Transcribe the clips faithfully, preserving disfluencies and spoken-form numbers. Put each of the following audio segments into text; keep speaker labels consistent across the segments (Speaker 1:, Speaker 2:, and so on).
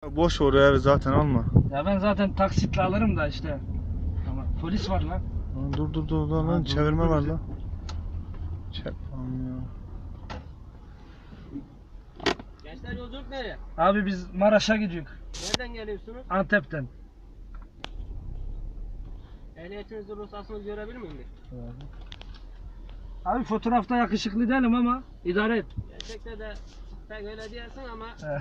Speaker 1: Boş oraya evi zaten alma.
Speaker 2: Ya ben zaten taksitle alırım da işte. Ama polis var lan.
Speaker 1: Dur dur dur dur lan,
Speaker 2: Ha, dur,
Speaker 1: çevirme
Speaker 2: dur
Speaker 1: var
Speaker 2: bizi.
Speaker 1: lan. Çek lan ya.
Speaker 3: Gençler yolculuk nereye?
Speaker 2: Abi biz Maraş'a gidiyoruz.
Speaker 3: Nereden geliyorsunuz?
Speaker 2: Antep'ten.
Speaker 3: Ehliyetinizi, ruhsatınızı görebilir miyim bir?
Speaker 2: Abi fotoğrafta yakışıklı değilim ama idare et.
Speaker 3: Gerçekte de pek öyle diyorsun ama
Speaker 2: Eh.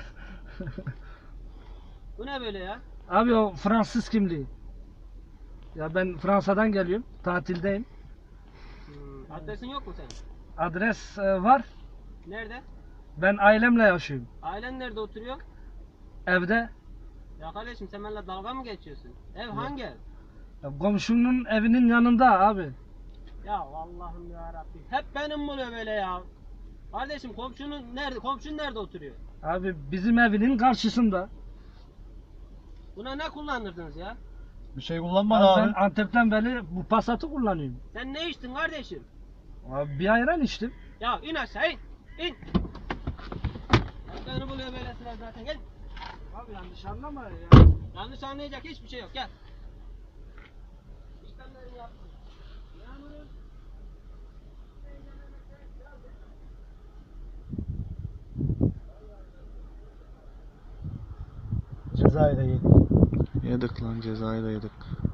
Speaker 3: bu ne böyle ya?
Speaker 2: Abi o Fransız kimliği. Ya ben Fransa'dan geliyorum. Tatildeyim.
Speaker 3: Hmm, adresin yok mu senin?
Speaker 2: Adres e, var.
Speaker 3: Nerede?
Speaker 2: Ben ailemle yaşıyorum.
Speaker 3: Ailen nerede oturuyor?
Speaker 2: Evde.
Speaker 3: Ya kardeşim sen benimle dalga mı geçiyorsun? Ev hangi ev?
Speaker 2: Ya komşunun evinin yanında abi.
Speaker 3: Ya Allah'ım ya Rabbim. Hep benim buluyor böyle ya. Kardeşim komşunun nerede? Komşun nerede oturuyor?
Speaker 2: Abi bizim evinin karşısında.
Speaker 3: Buna ne kullanırdınız ya?
Speaker 1: Bir şey kullanma
Speaker 2: Abi
Speaker 1: abi.
Speaker 2: ben Antep'ten beri bu Passat'ı kullanıyorum.
Speaker 3: Sen ne içtin kardeşim?
Speaker 2: Abi bir ayran içtim.
Speaker 3: Ya in aşağı in. İn. Hep beni buluyor böyle sıra zaten. Gel.
Speaker 2: Abi yanlış anlama ya.
Speaker 3: Yanlış anlayacak hiçbir şey yok. Gel. İşlemlerimi yaptım. Yağmurun.
Speaker 1: Cezayı da yedik. Yedik lan, cezayı da yedik.